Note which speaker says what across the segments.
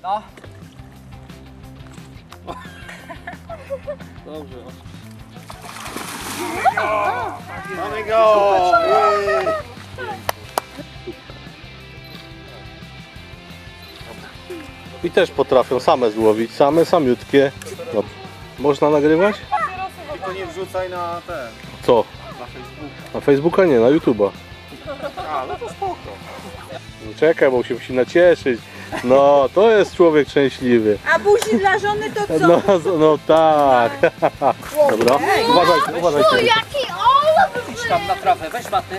Speaker 1: No.
Speaker 2: Dobrze.
Speaker 3: Mamy go!
Speaker 2: I też potrafią same złowić, samiutkie. No. Można nagrywać?
Speaker 3: Tylko nie wrzucaj na ten,
Speaker 2: Co?
Speaker 3: na Facebooka.
Speaker 2: Na Facebooka nie, na YouTube'a.
Speaker 3: A, no to spoko.
Speaker 2: Czekaj, bo się musi nacieszyć. No, to jest człowiek szczęśliwy.
Speaker 4: A buzi dla żony to co?
Speaker 2: No tak. Dobra, uważajcie, uważajcie.
Speaker 5: Jaki olaf!
Speaker 1: Idź tam na trawę, weź maty.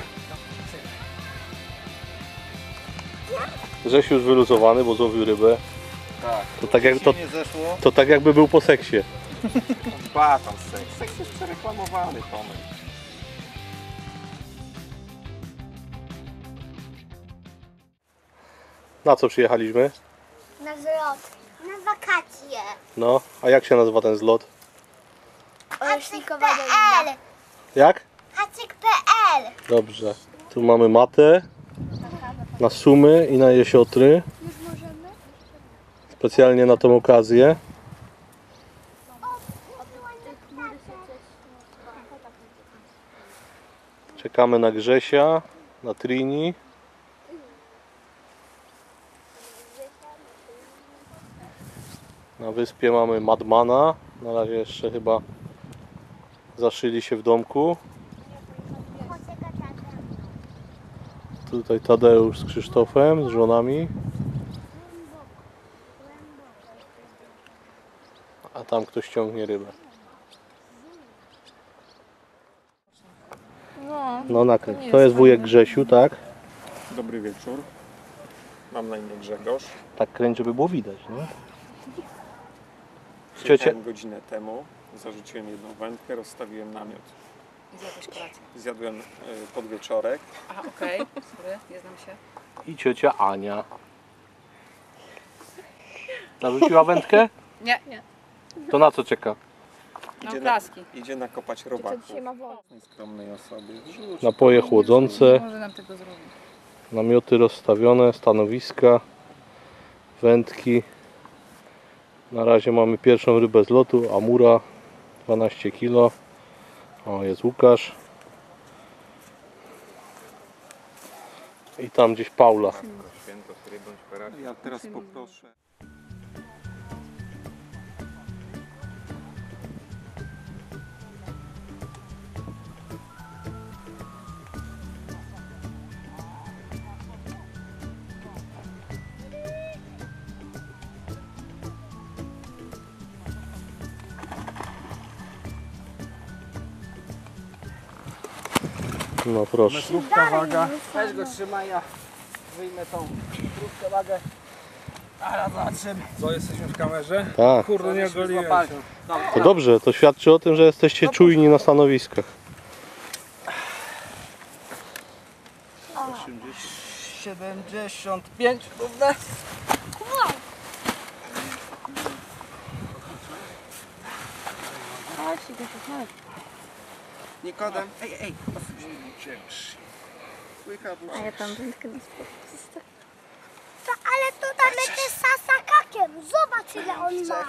Speaker 2: Grzesiu już wyluzowany, bo złowił rybę.
Speaker 3: Tak. Nie zeszło.
Speaker 2: To tak jakby był po seksie.
Speaker 3: Ba, tam seks. Seks jest przereklamowany, Tomek.
Speaker 2: Na co przyjechaliśmy?
Speaker 5: Na zlot. Na wakacje.
Speaker 2: No, a jak się nazywa ten zlot?
Speaker 5: Hacyk.pl.
Speaker 2: Jak?
Speaker 5: Hacyk.pl.
Speaker 2: Dobrze. Tu mamy matę na sumy i na jesiotry.
Speaker 5: Już możemy?
Speaker 2: Specjalnie na tą okazję. Czekamy na Grzesia, na Trini. Na wyspie mamy Madmana. Na razie jeszcze chyba zaszyli się w domku. Tutaj Tadeusz z Krzysztofem, z żonami. A tam ktoś ciągnie rybę. No nakręć. To jest wujek Grzesiu, tak?
Speaker 3: Dobry wieczór. Mam na imię Grzegorz.
Speaker 2: Tak kręć, żeby było widać, nie?
Speaker 3: Przyjechałem godzinę temu. Zarzuciłem jedną wędkę, rozstawiłem namiot.
Speaker 4: I zjadłeś kolację.
Speaker 3: Zjadłem podwieczorek.
Speaker 4: Aha, okej, sorry, nie znam się.
Speaker 2: I ciocia Ania. Zarzuciła wędkę?
Speaker 4: Nie,
Speaker 2: To na co czeka?
Speaker 4: no klaski.
Speaker 3: Idzie nakopać robaków. Skromnej osobie. Rzuć.
Speaker 2: Napoje chłodzące,
Speaker 4: Może nam tego zrobić.
Speaker 2: namioty rozstawione, stanowiska, wędki. Na razie mamy pierwszą rybę z lotu, amura, 12 kg. O, jest Łukasz. I tam gdzieś Paula.
Speaker 3: Ja teraz poproszę.
Speaker 2: No proszę.
Speaker 3: Metrówka, waga.
Speaker 1: Weź go trzymaj, ja wyjmę tą krótką wagę. A zobaczymy.
Speaker 3: Co, jesteśmy w kamerze?
Speaker 2: Tak.
Speaker 3: Kurde, nie ogoliłem
Speaker 1: Złapali.
Speaker 3: się.
Speaker 2: To dobrze, to świadczy o tym, że jesteście czujni na stanowiskach.
Speaker 1: 75 równe.
Speaker 3: Nikodem.
Speaker 1: Ej.
Speaker 3: Słychać,
Speaker 5: A ja tam wędkę na spokój. Ale to tam jest sasakakiem. Zobacz ile on ma.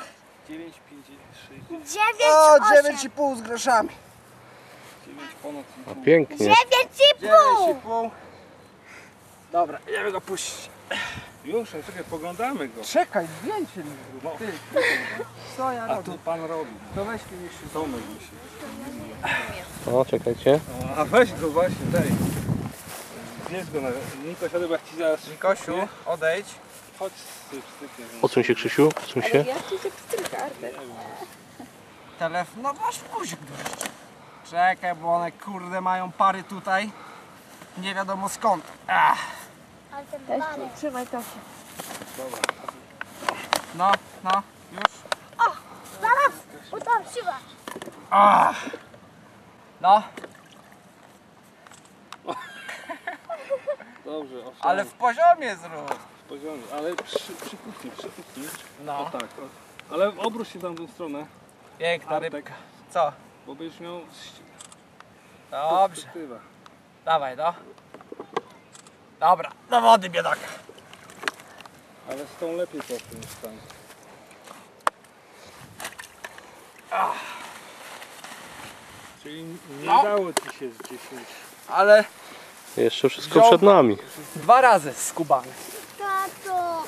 Speaker 5: 9,8.
Speaker 1: 9,5 z groszami.
Speaker 3: 9 ponad.
Speaker 2: A pięknie.
Speaker 5: 9,5.
Speaker 1: 9,5. Dobra, idziemy go puścić.
Speaker 3: Już, czekaj, poglądamy go.
Speaker 1: Czekaj, zdjęcie mi zrób. Ty. Co ja
Speaker 3: A
Speaker 1: robię?
Speaker 3: tu pan robi.
Speaker 1: To weź mi jeszcze.
Speaker 3: Tomek musi.
Speaker 2: O, czekajcie.
Speaker 3: A weź go właśnie, daj. Bierz go na... Niko, siadaj, bo jak ci zaraz...
Speaker 1: Nikosiu, odejdź.
Speaker 3: Chodź styknie.
Speaker 2: Odsuń się, Krzysiu, odsuń się.
Speaker 4: Ja ci się pstryka, Artek.
Speaker 1: Telefon, no masz guzik dość. Czekaj, bo one kurde mają pary tutaj. Nie wiadomo skąd. Ach.
Speaker 5: Ale ten
Speaker 4: Weź,
Speaker 5: parę.
Speaker 4: trzymaj to.
Speaker 1: No, już.
Speaker 5: Zaraz, bo tam siła.
Speaker 1: Ach. No,
Speaker 3: Dobrze, owszem.
Speaker 1: ale w poziomie zrób.
Speaker 3: W poziomie, ale przykucnij.
Speaker 1: No.
Speaker 3: O tak, o. Ale obróć się tam w tą stronę.
Speaker 1: Piękna
Speaker 3: Artek.
Speaker 1: rybka. Co?
Speaker 3: Bo będziesz miał
Speaker 1: Dobrze.
Speaker 3: perspektywę.
Speaker 1: Dawaj, no. Dobra, do wody biedaka.
Speaker 3: Ale z tą lepiej poszło niż tam. Czyli nie
Speaker 1: No.
Speaker 3: udało ci się z 10.
Speaker 1: Ale
Speaker 2: Jeszcze wszystko przed nami.
Speaker 1: 2 razy skubany.
Speaker 5: Tato.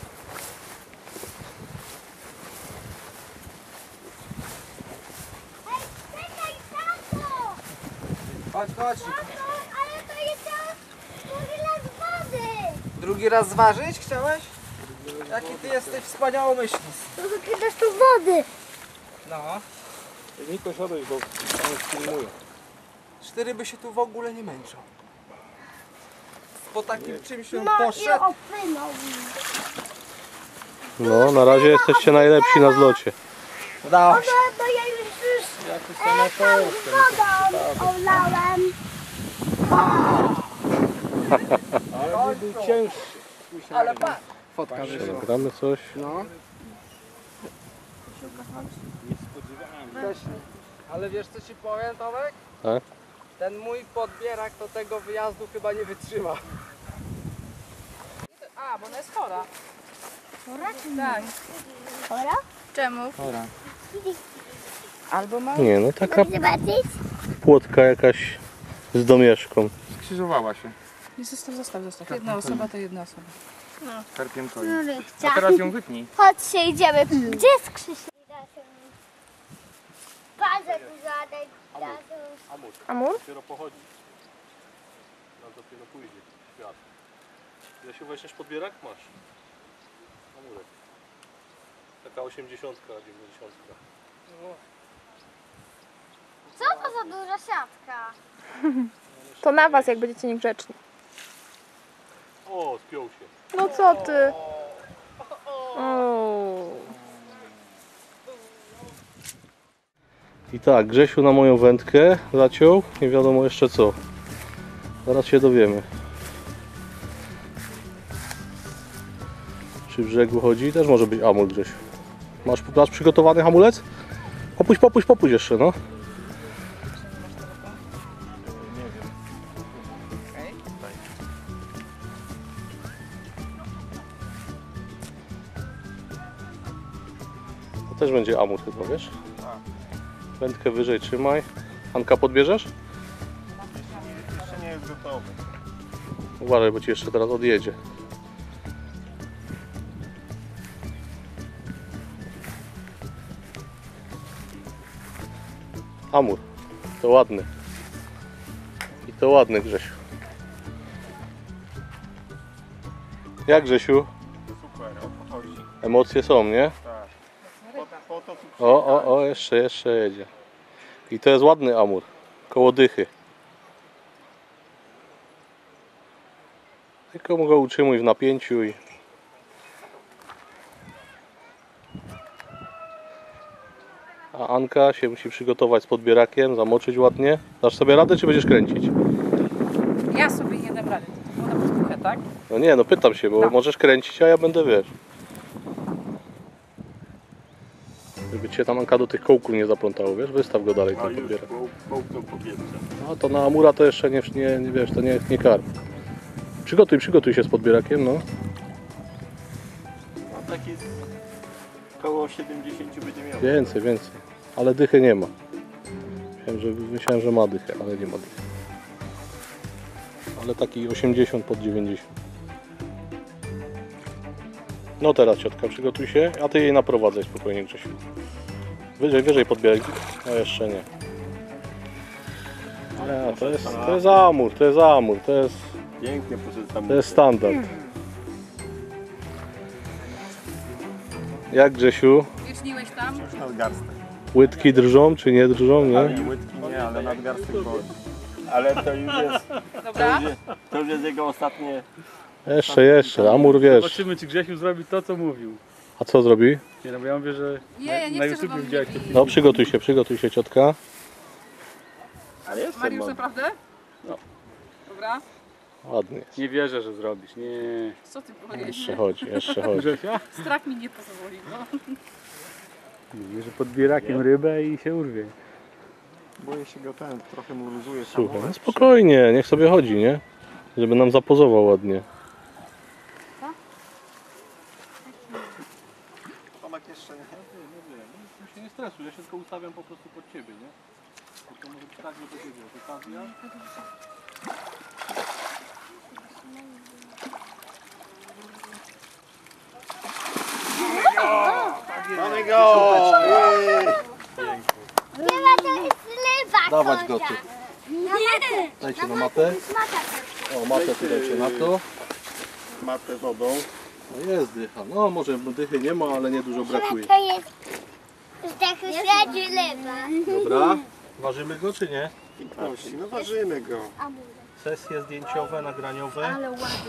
Speaker 5: Ej, czekaj, tato!
Speaker 1: Chodź.
Speaker 5: Tato, ale to jest drugi raz wody.
Speaker 1: Drugi raz zważyć chciałeś? Jaki ty jesteś wspaniałomyślny.
Speaker 5: To wykręcasz tu wody.
Speaker 1: No.
Speaker 3: Niko, siadaj, bo on filmuje.
Speaker 1: 4 by się tu w ogóle nie męczą. Po takim czymś on
Speaker 5: No i
Speaker 1: poszedł.
Speaker 5: opłynął.
Speaker 2: No, na razie jesteście najlepsi na zlocie.
Speaker 1: Udało się.
Speaker 5: No to ja już
Speaker 3: Jakoś
Speaker 5: tam wodą olałem.
Speaker 3: Ale był cięższy.
Speaker 1: Ale patrz. Fotka wyszła.
Speaker 2: Nagramy coś.
Speaker 1: No.
Speaker 3: Nie spodziewałem się.
Speaker 1: Też nie. Ale wiesz co ci powiem, Tomek?
Speaker 2: Tak?
Speaker 1: Ten mój podbierak to tego wyjazdu chyba nie wytrzyma.
Speaker 4: A, bo ona jest chora.
Speaker 5: Chora czy nie?
Speaker 4: Tak.
Speaker 5: Chora?
Speaker 4: Czemu?
Speaker 3: Dobra.
Speaker 4: Albo ma...
Speaker 2: Nie, no taka
Speaker 5: Chcesz zobaczyć?
Speaker 2: płotka jakaś z domieszką.
Speaker 3: Skrzyżowała się.
Speaker 4: Nie, zostaw. Jedna osoba to jedna osoba.
Speaker 3: Karpiem koi.
Speaker 5: Chcę.
Speaker 3: A teraz ją wytnij.
Speaker 5: Chodźcie, idziemy. Gdzie jest Krzysiek? Bardzo dużo
Speaker 2: Amur? Dopiero pochodzi. Tam dopiero pójdzie świat. Ile się weźmiesz podbierak? Masz. Amurek. Taka 80, 90.
Speaker 5: Co to za duża siatka?
Speaker 6: To na was, jak będziecie niegrzeczni.
Speaker 2: O, spiął się.
Speaker 6: No co ty? O.
Speaker 2: I tak, Grzesiu na moją wędkę zaciął. Nie wiadomo jeszcze co. Zaraz się dowiemy. Przy brzegu chodzi. Też może być amur, Grzesiu. Masz przygotowany hamulec? Popuść jeszcze, no. To też będzie amur chyba, wiesz? Wędkę wyżej trzymaj. Anka, podbierzesz?
Speaker 3: Jeszcze nie jest gotowy.
Speaker 2: Uważaj, bo ci jeszcze teraz odjedzie. Amur. To ładny. I to ładny, Grzesiu. Jak, Grzesiu?
Speaker 3: Super, o to chodzi.
Speaker 2: Emocje są, nie?
Speaker 3: Tak. Po to tu
Speaker 2: O, jeszcze jedzie. I to jest ładny amur. Koło dychy. Tylko mu go utrzymuj w napięciu i... A Anka się musi przygotować z podbierakiem, zamoczyć ładnie. Dasz sobie radę, czy będziesz kręcić?
Speaker 4: Ja sobie nie dam rady. To woda podpuchę, tak?
Speaker 2: No nie, no pytam się, bo
Speaker 4: Tak.
Speaker 2: możesz kręcić, a ja będę, wiesz. Żeby cię tam Anka do tych kołków nie zaplątało, wiesz? Wystaw go dalej, ten podbierak.
Speaker 3: połknął powietrze.
Speaker 2: No to na amura to jeszcze nie wiesz, to nie karp. Przygotuj się z podbierakiem, no.
Speaker 3: No taki koło 70 będzie miał.
Speaker 2: Więcej. Ale dychy nie ma. Myślałem, że ma dychę, ale nie ma dychy. Ale taki 80 pod 90. No teraz ciotka, przygotuj się, a ty jej naprowadzaj spokojnie, Grzesiu. Wyżej podbieraj. No jeszcze nie. Nie, to jest amur,
Speaker 3: Pięknie poszedł tam.
Speaker 2: to jest standard. Jak, Grzesiu?
Speaker 4: Wieczniłeś tam?
Speaker 3: Już nadgarstek.
Speaker 2: Łydki drżą czy nie drżą, nie?
Speaker 3: Ale łydki nie, ale nadgarstek boli. Ale to już jest,
Speaker 4: Dobra?
Speaker 3: to już jest jego ostatnie.
Speaker 2: Jeszcze, amur wiesz.
Speaker 3: Zobaczymy, czy Grzesiu zrobi to, co mówił.
Speaker 2: A co zrobi?
Speaker 3: Nie, no bo ja mówię, że
Speaker 4: Nie, ja nie
Speaker 3: na
Speaker 4: chcę, żeby
Speaker 3: YouTubie
Speaker 4: on
Speaker 3: widziałeś
Speaker 4: mnie
Speaker 3: to
Speaker 4: bił.
Speaker 2: No przygotuj się ciotka.
Speaker 3: Ale jest
Speaker 4: Mariusz, naprawdę?
Speaker 3: No.
Speaker 4: Dobra.
Speaker 2: Ładnie jest.
Speaker 3: Nie wierzę, że zrobisz. Nie.
Speaker 4: Co ty powiedziałeś?
Speaker 2: Jeszcze chodzi.
Speaker 3: Grzesia?
Speaker 4: Strach mi nie pozwoli, no.
Speaker 3: Mówi, że podbierakiem rybę i się urwie. Boję się go trochę mu luzuje.
Speaker 2: Słuchaj, no spokojnie, niech sobie chodzi, nie? Żeby nam zapozował ładnie.
Speaker 3: tak jeszcze nie.
Speaker 2: Nie wiem, no, się nie stresuj, ja się tylko ustawiam po prostu pod ciebie, nie? Bo to może być tak, że to wiedział, okazja.
Speaker 3: Mamy go!
Speaker 5: Nie ma, to jest ryba.
Speaker 2: Dawać go tu.
Speaker 5: Nie.
Speaker 2: Dajcie na matę. O, matę tu dajcie na to.
Speaker 3: Matę wodą.
Speaker 2: No jest dycha. No może dychy nie ma, ale nie dużo brakuje.
Speaker 5: To jest tak śledzi ryba.
Speaker 2: Dobra. Ważymy go czy nie?
Speaker 3: Piękności, no ważymy go.
Speaker 2: Sesje zdjęciowe, nagraniowe.
Speaker 5: Ale ładny.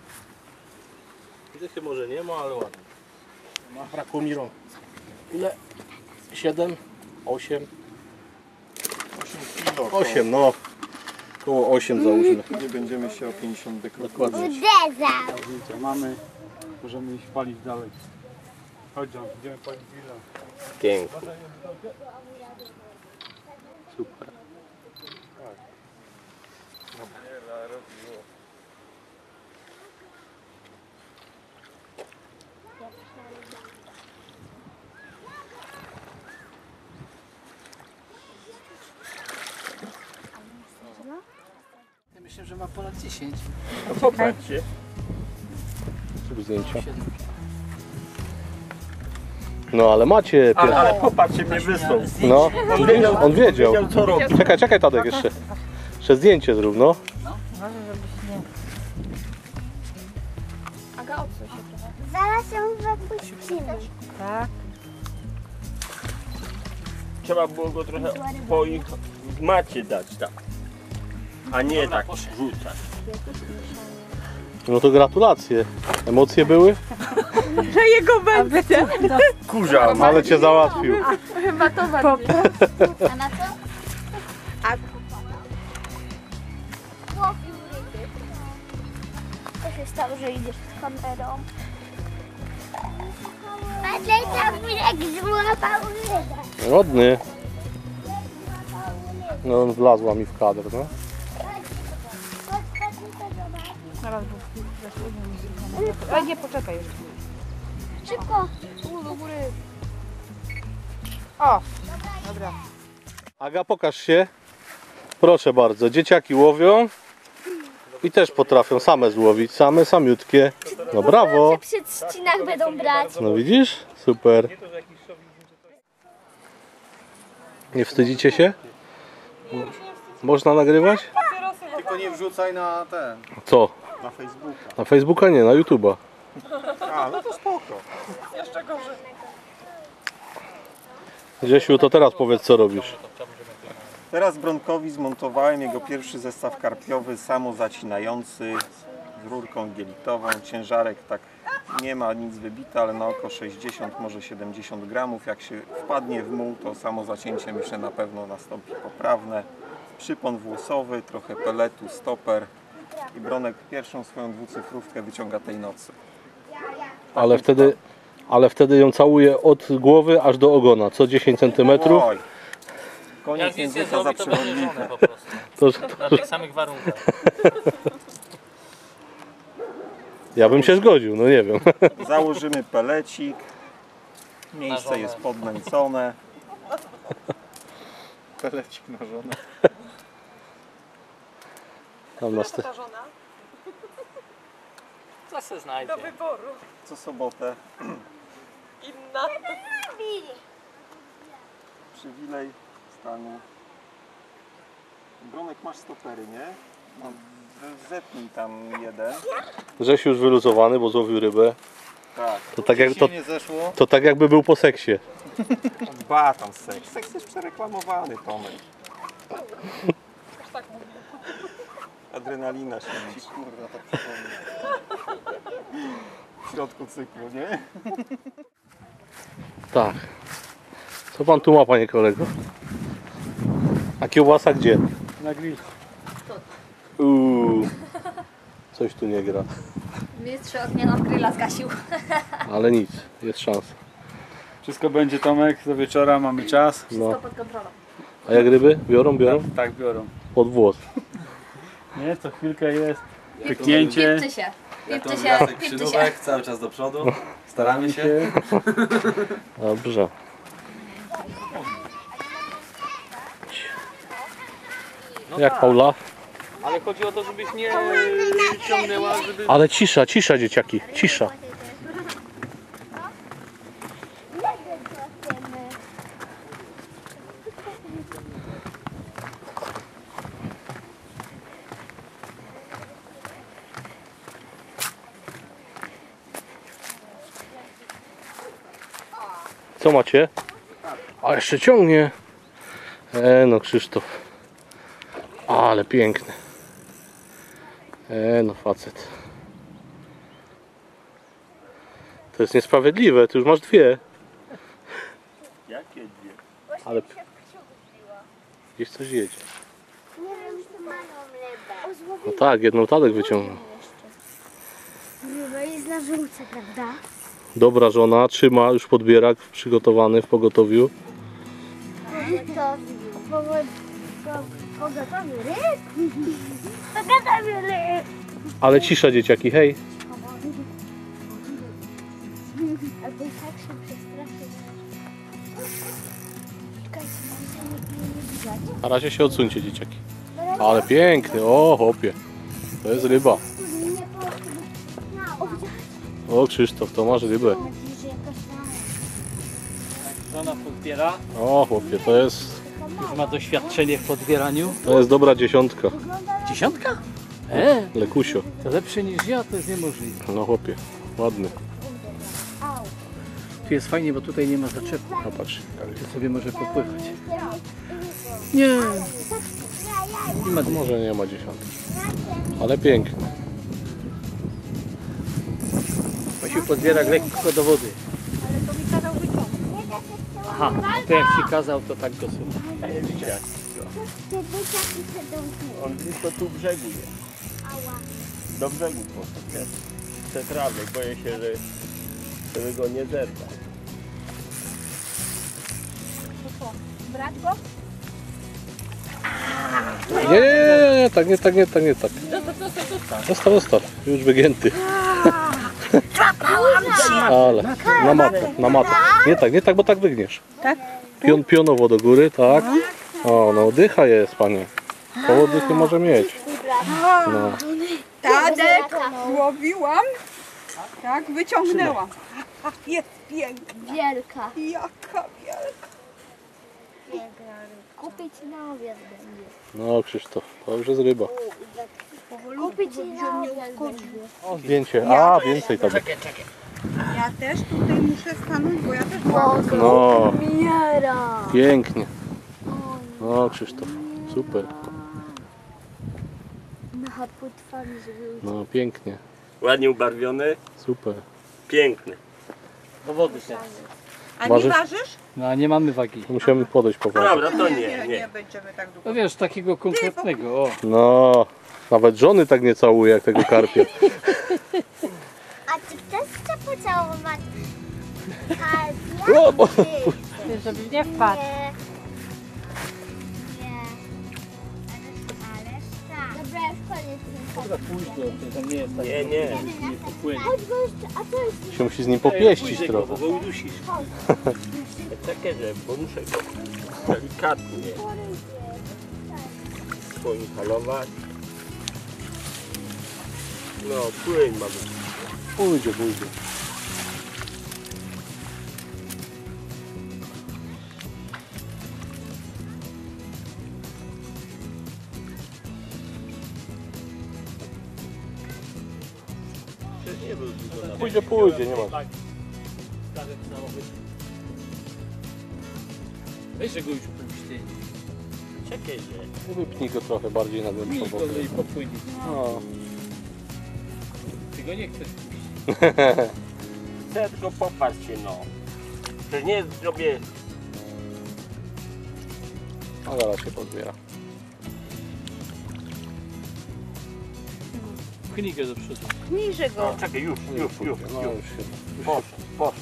Speaker 2: Dychy może nie ma, ale ładnie. Brakło mi rąk. Ile? 7? 8?
Speaker 3: 8 kilo.
Speaker 2: 8, no. Koło 8 załóżmy.
Speaker 3: Nie będziemy się o 50
Speaker 2: Dokładnie.
Speaker 5: Uderzał.
Speaker 7: Zdjęcia mamy, możemy iść palić dalej. Chodź John, idziemy palić grilla.
Speaker 2: Pięknie. Super.
Speaker 1: Ja myślę, że ma ponad 10.
Speaker 3: Popatrzcie.
Speaker 2: Zrób zdjęcia. No ale macie.
Speaker 3: Ale popatrzcie, mnie wysłał.
Speaker 2: No, on wiedział.
Speaker 3: Co robi.
Speaker 2: Czekaj Tadek jeszcze. Jeszcze zdjęcie zrób, no.
Speaker 6: Aga, odsuń się trochę.
Speaker 5: Zaraz ją wypuścimy.
Speaker 8: Trzeba było go trochę po ich w macie dać tak. A nie tak rzucać.
Speaker 2: No to gratulacje. Emocje były?
Speaker 6: Że jego będzie.
Speaker 8: Kurza,
Speaker 2: Ale cię załatwił.
Speaker 6: Chyba to bardziej.
Speaker 5: A na co? Łowił ryby. Co się stało, że idziesz z kamerą? Patrzaj, tam jak złapał rybę.
Speaker 2: Ładny. No on wlazła mi w kadr, no.
Speaker 4: Zaraz, bo ale nie, poczekaj jeszcze.
Speaker 5: Szybko.
Speaker 4: Do góry. O, dobra.
Speaker 2: Aga, pokaż się. Proszę bardzo, dzieciaki łowią i też potrafią same złowić, samiutkie. No brawo.
Speaker 5: Przy trzcinach będą brać.
Speaker 2: No widzisz? Super. Nie wstydzicie się? Można nagrywać?
Speaker 3: Tylko nie wrzucaj na ten,
Speaker 2: Co?
Speaker 3: na Facebooka.
Speaker 2: Na Facebooka nie, na YouTube'a.
Speaker 3: A, no to spoko.
Speaker 2: Grzesiu, to teraz powiedz, co robisz.
Speaker 3: Teraz Bronkowi zmontowałem jego pierwszy zestaw karpiowy, samozacinający z rurką gielitową. Ciężarek tak nie ma nic wybite, ale na oko 60, może 70 gramów. Jak się wpadnie w muł, to samo zacięcie myślę na pewno nastąpi poprawne. Przypon włosowy, trochę peletu, stoper i Bronek pierwszą swoją dwucyfrówkę wyciąga tej nocy.
Speaker 2: Ale wtedy ją całuje od głowy aż do ogona, co 10 cm.
Speaker 3: Oj, koniec języka za przewodnika.
Speaker 9: po prostu.
Speaker 2: To,
Speaker 9: Na tych samych warunkach.
Speaker 2: ja bym się zgodził, no nie wiem.
Speaker 3: Założymy pelecik. Miejsce
Speaker 9: żonę.
Speaker 3: jest podnęcone. Pelecik na żonę.
Speaker 2: Tam na st-
Speaker 9: Co se znajdzie?
Speaker 3: Co sobotę. Przywilej stanu. Bronek, masz stopery, nie? No, zetnij tam jeden.
Speaker 2: Grzesiu już wyluzowany, bo złowił rybę.
Speaker 3: Tak.
Speaker 2: To tak jakby był po seksie.
Speaker 3: Dba tam seks. Seks jest przereklamowany, Tomek. Adrenalina się liczy. Kurwa, tak przypomnę. W środku cyklu, nie?
Speaker 2: Tak. Co pan tu ma, panie kolego? A kiełbasa gdzie?
Speaker 7: Na grill.
Speaker 2: Coś tu nie gra.
Speaker 5: Mistrz ognia nam grilla zgasił.
Speaker 2: Ale nic, jest szansa.
Speaker 7: Wszystko będzie, Tomek, do wieczora mamy czas.
Speaker 2: No.
Speaker 5: Pod kontrolą.
Speaker 2: A jak ryby? Biorą?
Speaker 7: Tak biorą.
Speaker 2: Pod włos.
Speaker 7: Nie, co chwilkę jest. Pyknięcie.
Speaker 5: Pipcie się. Pipcie się. Pipcie się.
Speaker 10: Cały czas do przodu.
Speaker 1: Staramy się.
Speaker 2: Dobrze. Jak Paula?
Speaker 9: Ale chodzi o to, żebyś nie ciągnęła, żeby...
Speaker 2: Ale cisza, cisza dzieciaki, cisza. Co macie? A jeszcze ciągnie. No Krzysztof. Ale piękny. No facet. To jest niesprawiedliwe, ty już masz dwie.
Speaker 8: Jakie dwie?
Speaker 2: Ale gdzieś coś jedzie.
Speaker 5: Nie wiem, czy mają rybę.
Speaker 2: No tak, jedną Tadek wyciągnął.
Speaker 5: Ryba jest na żółce, prawda?
Speaker 2: Dobra żona, trzyma już podbierak przygotowany w pogotowiu.
Speaker 5: Pogotowy ryb? Pogotowy ryb!
Speaker 2: Ale cisza dzieciaki, hej.
Speaker 5: Albo i tak się przestraszy. Czekajcie, mam się nie widać.
Speaker 2: Na razie się odsuńcie dzieciaki. Ale piękny, o chłopie. To jest ryba. O Krzysztof, to masz rybę.
Speaker 9: Żona podbiera,
Speaker 2: O chłopie, to jest
Speaker 9: już ma doświadczenie w podbieraniu.
Speaker 2: dobra dziesiątka.
Speaker 9: 10?
Speaker 2: Lekusio.
Speaker 9: To lepsze niż ja, to jest niemożliwe.
Speaker 2: No chłopie, ładny.
Speaker 9: Tu jest fajnie, bo tutaj nie ma zaczepu.
Speaker 2: No patrz.
Speaker 9: Tu sobie może popływać. Nie.
Speaker 2: No, może nie ma dziesiątki. Ale piękny.
Speaker 9: Musiał podbierak lekko do wody. Aha, to jak ci kazał, to tak go słucha.
Speaker 8: On blisko tu brzegu jest. Do brzegu poszedł. Te trawy, boję się, żeby go nie zerwał.
Speaker 4: Brać go?
Speaker 2: Nie, tak, nie tak, nie tak, nie tak. Zostaw, już wygięty. Ale, na matę. Nie tak, bo tak wygniesz.
Speaker 6: Tak?
Speaker 2: Pionowo do góry, tak. O, no dycha jest, panie. Koło dychy może mieć. No.
Speaker 6: Tadek, złowiłam. Tak, wyciągnęłam. Jest piękna.
Speaker 5: Wielka.
Speaker 6: Jaka wielka.
Speaker 5: Kupić na obiad będzie.
Speaker 2: No Krzysztof, to już jest ryba.
Speaker 5: Kupić na obiad będzie.
Speaker 2: Zdjęcie, więcej tam.
Speaker 6: Ja też tutaj muszę stanąć, bo ja też byłam.
Speaker 2: No,
Speaker 5: Miera.
Speaker 2: pięknie. No Krzysztof, super.
Speaker 5: Na płetwami, żeby
Speaker 2: No pięknie,
Speaker 8: Ładnie ubarwiony,
Speaker 2: super.
Speaker 8: piękny.
Speaker 9: Do wody się.
Speaker 6: A
Speaker 2: Ważysz?
Speaker 6: nie ważysz?
Speaker 9: No a nie mamy wagi.
Speaker 2: Musiałem podejść powoli.
Speaker 8: Dobra, to
Speaker 6: Nie
Speaker 8: nie.
Speaker 6: będziemy tak długo.
Speaker 9: No wiesz, takiego konkretnego, o.
Speaker 2: No, nawet żony tak nie całuje jak tego karpia.
Speaker 5: A czy ktoś chce pocałować karpia?
Speaker 2: O, bo-
Speaker 4: Żeby nie wpadł.
Speaker 5: Nie. Nie. Ależ tak. Dobra, już koniec.
Speaker 9: Dobra, pójdź go, to nie jest tak.
Speaker 8: Nie.
Speaker 9: Nie popłynie.
Speaker 5: Chodź go jeszcze, a co jest?
Speaker 2: się musi z nim popieścić
Speaker 9: Pójdzie go,
Speaker 2: trochę.
Speaker 9: bo go udusisz.
Speaker 8: Czekaj, bo muszę go delikatnie poinhalować. No, płyń mamy.
Speaker 2: Pójdzie.
Speaker 8: Przecież nie był dużo na
Speaker 2: Pójdzie, nie ma.
Speaker 9: Weź, że go już puści.
Speaker 8: Czekaj, że.
Speaker 2: Wypnij go trochę bardziej na głębszą
Speaker 9: Pójdź go
Speaker 2: wodę.
Speaker 9: i popłynie.
Speaker 2: No.
Speaker 9: Ty go nie chcesz puścić.
Speaker 8: Chcę tylko popatrz się, no. Przecież nie zrobię.
Speaker 2: A zaraz się podbiera.
Speaker 9: Pchnij go do przodu.
Speaker 6: Niżej go.
Speaker 8: No, czekaj, już.
Speaker 2: No już się.
Speaker 8: Poszedł.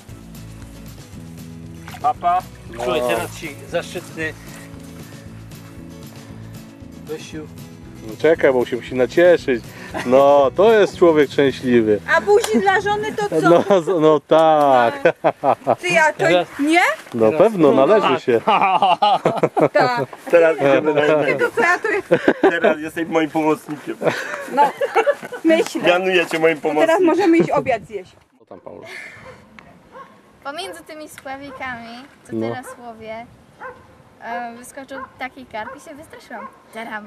Speaker 8: Papa.
Speaker 9: Słuchaj, teraz ci zaszczytny Gosiu.
Speaker 2: No czekaj, bo się musi nacieszyć. No, to jest człowiek szczęśliwy.
Speaker 6: A buzi dla żony to co?
Speaker 2: No tak.
Speaker 6: Ty, a to nie?
Speaker 2: No pewno, należy się.
Speaker 6: Tak.
Speaker 3: Teraz idziemy na innego.
Speaker 6: To co ja tu
Speaker 3: Teraz jesteś moim pomocnikiem.
Speaker 6: myślę?
Speaker 3: Mianuję cię moim
Speaker 6: Teraz
Speaker 3: pomocnikiem.
Speaker 6: możemy iść obiad zjeść.
Speaker 2: Co tam, Paula?
Speaker 10: Pomiędzy tymi spławikami, co
Speaker 2: No.
Speaker 10: teraz łowię, wyskoczył taki karp i się wystraszyłam. Taram!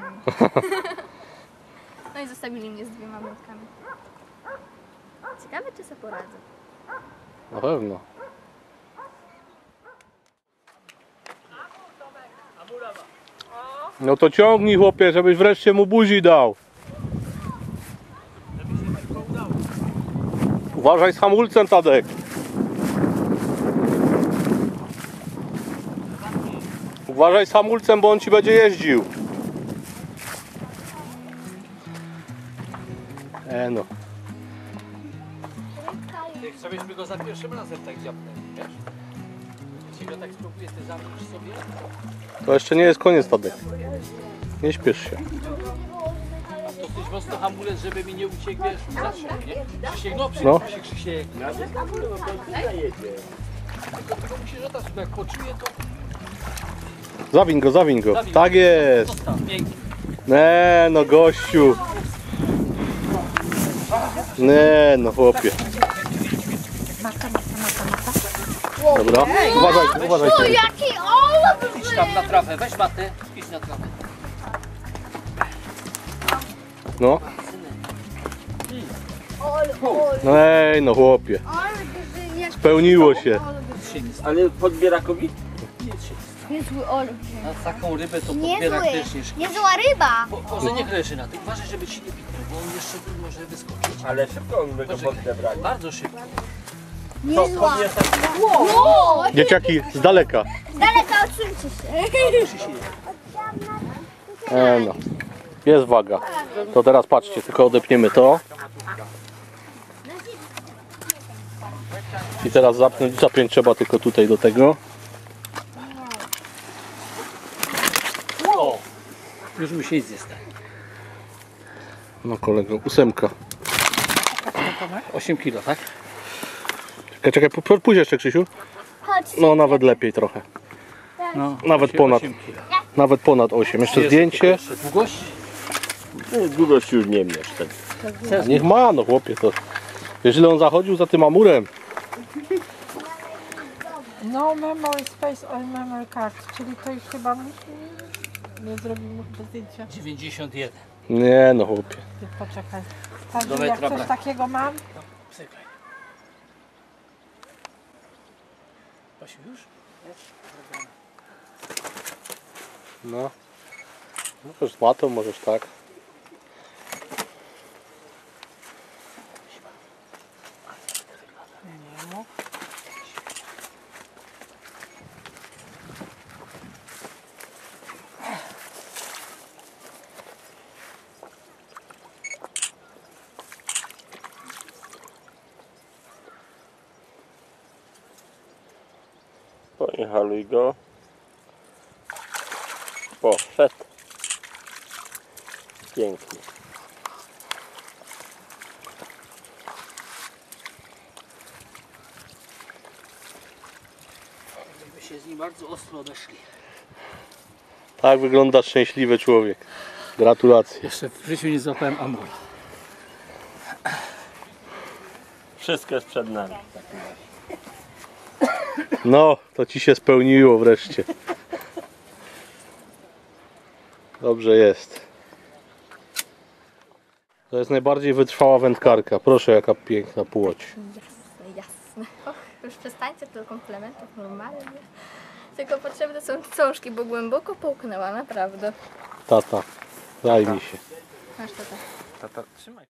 Speaker 10: No i zostawili mnie z 2 młotkami. Ciekawe, czy sobie poradzę.
Speaker 2: Na pewno. No to ciągnij, chłopie, żebyś wreszcie mu buzi dał. Uważaj z hamulcem, Tadek. Uważaj z hamulcem, bo on ci będzie jeździł. No.
Speaker 9: Chcę, byśmy go za pierwszym razem tak dziabnęli, wiesz? Jeśli go tak spróbuję, ty zamkniesz sobie.
Speaker 2: To jeszcze nie jest koniec, Tadek. Nie śpiesz się.
Speaker 9: Dosyć mocno hamulec, żeby mi nie uciekł, wiesz, zaczął, nie? Krzysiek, no
Speaker 2: No.
Speaker 9: przyjdzie się Krzysiek. Tylko musisz oddać, bo jak poczuję, to
Speaker 2: Zawiń go, zawiń go.
Speaker 9: Zawiń.
Speaker 2: Tak jest.
Speaker 9: zostaw, pięknie.
Speaker 2: No gościu. No chłopie. Dobra, uważaj, uważaj.
Speaker 5: O, jaki olek!
Speaker 9: Idź tam na trawę, weź matę, idź na trawę.
Speaker 2: No. No chłopie. Spełniło się.
Speaker 8: Ale podbierakowi?
Speaker 5: Niezły olek.
Speaker 9: Na taką rybę to podbierak też nie szkodzi.
Speaker 5: Niezła ryba.
Speaker 9: Może nie leży na tym, uważaj, żeby ci nie piknął, bo on jeszcze może wyskoczyć.
Speaker 8: Ale szybko my go podbrali.
Speaker 9: Bardzo szybko.
Speaker 5: Niezła. Wow.
Speaker 2: Dzieciaki, z daleka.
Speaker 5: Z daleka odsuńcie się.
Speaker 2: No. Jest waga. To teraz patrzcie, tylko odepniemy to. I teraz zapiąć trzeba tylko tutaj do tego.
Speaker 9: O! Już musi iść zjeść.
Speaker 2: No kolego, 8.
Speaker 9: 8 kilo, tak?
Speaker 2: Czekaj, pójdź jeszcze, Krzysiu.
Speaker 5: Chodź.
Speaker 2: No nawet lepiej trochę.
Speaker 9: No,
Speaker 2: Nawet ponad.
Speaker 9: 8 kilo.
Speaker 2: Nawet ponad 8. Jeszcze zdjęcie.
Speaker 9: Jeszcze długość?
Speaker 8: Długość już nie mierz. Tak.
Speaker 2: Niech ma, no chłopie, to. Jeżeli on zachodził za tym amurem.
Speaker 6: No memory space on memory card, czyli to już chyba nie zrobimy bez zdjęcia.
Speaker 9: 91.
Speaker 2: Nie no chłopie.
Speaker 6: Ty poczekaj. Tak,
Speaker 9: Do
Speaker 6: jak
Speaker 9: metra
Speaker 6: coś
Speaker 9: brak.
Speaker 6: takiego mam,
Speaker 9: Cyklaj. Pasiu już?
Speaker 2: No. Możesz z matą, możesz tak.
Speaker 8: Pojechaluj go. Poszedł. Pięknie.
Speaker 9: Myśmy się z nim bardzo ostro odeszli.
Speaker 2: Tak wygląda szczęśliwy człowiek. Gratulacje.
Speaker 9: Jeszcze w życiu nie złapałem amora.
Speaker 8: Wszystko jest przed nami.
Speaker 2: No, to ci się spełniło wreszcie. Dobrze jest. To jest najbardziej wytrwała wędkarka. Proszę, jaka piękna płoć.
Speaker 10: Jasne. Och, już przestańcie tylko komplementów, normalnie. Tylko potrzebne są cążki, bo głęboko połknęła, naprawdę.
Speaker 2: Tata, daj mi się.
Speaker 10: Masz to tak.
Speaker 3: Tata, trzymaj.